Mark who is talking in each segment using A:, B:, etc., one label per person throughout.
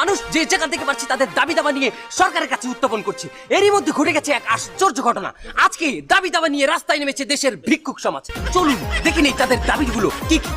A: মানুষ যে যেখান থেকে পারছে তাদের দাবি দাবা নিয়ে সরকারের কাছে উত্থাপন করছে। এরই মধ্যে ঘটে গেছে এক আশ্চর্য ঘটনা। আজকে দাবি দাবা নিয়ে রাস্তায় নেমেছে দেশের ভিক্ষুক সমাজ। চলুন দেখে নেই তাদের দাবিগুলো কি কি।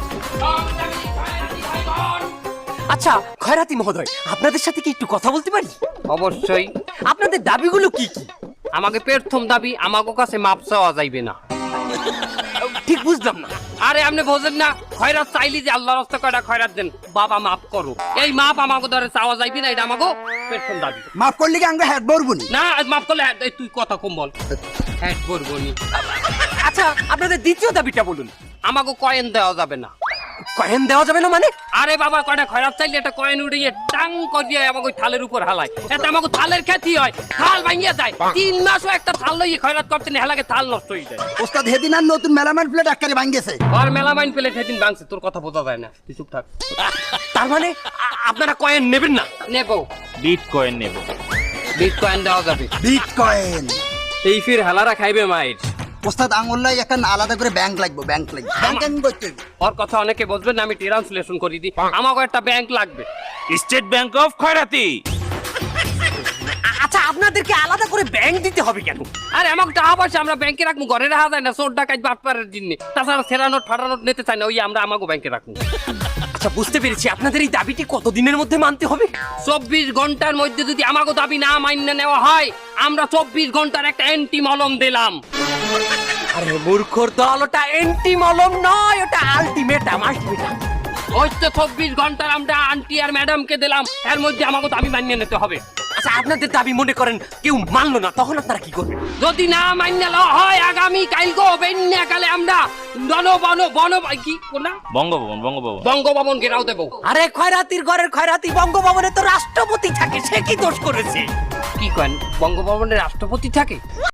A: আচ্ছা খয়রাতি মহোদয়, আপনাদের সাথে কি একটু কথা বলতে পারি?
B: অবশ্যই।
A: আপনাদের দাবিগুলো কি কি?
B: আমাকে প্রথম দাবি, আমাকে কাছে মাপ চাওয়া যাইবে না।
A: ঠিক বুঝলাম না।
B: আরে আপনি বোঝেন না, খয়রাত চাইলি যে আল্লাহর রাস্তা কয়টা খয়রাত দেন, বাবা মাফ করো, এই মাপ আমাকে ধরে চাওয়া যাইবে না, এটা আমাকে প্রথম দাবি।
C: মাফ করলে কি আমরা হেড বলবনি?
B: না মাফ করলে এই তুই কথা কম বল, হ্যাঁ বলবো নি।
A: আচ্ছা আপনাদের দ্বিতীয় দাবিটা বলুন।
B: আমাকে কয়েন দেওয়া যাবে না।
A: কয়েন দেওয়া যাবে না মানে?
B: আরে বাবা কয়টা খয়রাত চাইলে একটা কয়েন উড়িয়ে টাং করিয়ে আমাকে ওই থালের উপর হালায়, এতে আমাকে থালের খ্যাতি হয়, থাল ভাঙিয়ে যায়। 3 মাসও একটা থাল লইয়ে খয়রাত করতে না, হেলাকে থাল নষ্ট হয়ে যায়।
C: ওস্তাদ হেদিন আর নতুন মেলামাইন প্লেট আকারে ভাঙ্গেছে।
B: আর মেলামাইন পেলে সেদিন ভাঙছে, তোর কথা বোঝা যায় না, তুই চুপ থাক।
A: তার মানে আপনারা কয়েন নেবেন না?
B: নেবো,
D: বিটকয়েন নেব।
B: বিটকয়েন দেওয়া যাবে।
C: বিটকয়েন
B: এই ফির হেলারা খাইবে মাইর।
C: ওস্তাদ আঙুল্লাই একটা আলাদা করে ব্যাংক লাগবে, ব্যাংক লাগবে, ব্যাংকিং করতে হবে।
B: ওর কথা অনেকে বুঝবেন না, আমি ট্রান্সলেশন করে দিই। আমাকে একটা ব্যাংক লাগবে।
D: স্টেট ব্যাংক অফ খয়রাতি।
A: আচ্ছা আপনাদেরকে আলাদা করে ব্যাংক দিতে হবে কেন?
B: আরে আমাকে টাকা পয়সা আমরা ব্যাংকে রাখবো, ঘরে রাখা যায় না, চোর ডাকাত বাটপারের জন্য। তাছাড়া সেরা নোট ফাটা নোট নিতে চাই না, ওই আমরা আমাকে ব্যাংকে রাখবো।
A: আচ্ছা বুঝতে পেরেছি, আপনাদের এই দাবিটি কতদিনের মধ্যে মানতে হবে?
B: 24 ঘন্টার মধ্যে যদি আমাকে দাবি না মান্য নেওয়া হয়, আমরা 24 ঘন্টার একটা অ্যান্টি মলম দিলাম।
A: আরে মূর্খর দল, ওটা এন্টি মলম নয়, ওটা আলটিমেটাম। আলটিমেটাম
B: ওই তো 24 ঘন্টার আমরা আন্টি আর ম্যাডামকে দিলাম, এর মধ্যে আমাকে দাবি মান্য নিতে হবে।
A: আচ্ছা আপনাদের দাবি মনে করেন কেউ মানলো না, তখন আপনারা কি করবেন?
B: যদি না মান্য হয়, আগামী কালকে বেন্যাকালে আমরা কি না
D: বঙ্গভবন বঙ্গভবন
B: বঙ্গভবন ঘেরাও দেবো।
A: আরে খয়রাতির ঘরের খয়রাতি, বঙ্গভবনে তো রাষ্ট্রপতি থাকে, সে কি দোষ করেছে?
B: কি করেন, বঙ্গভবনের রাষ্ট্রপতি থাকে?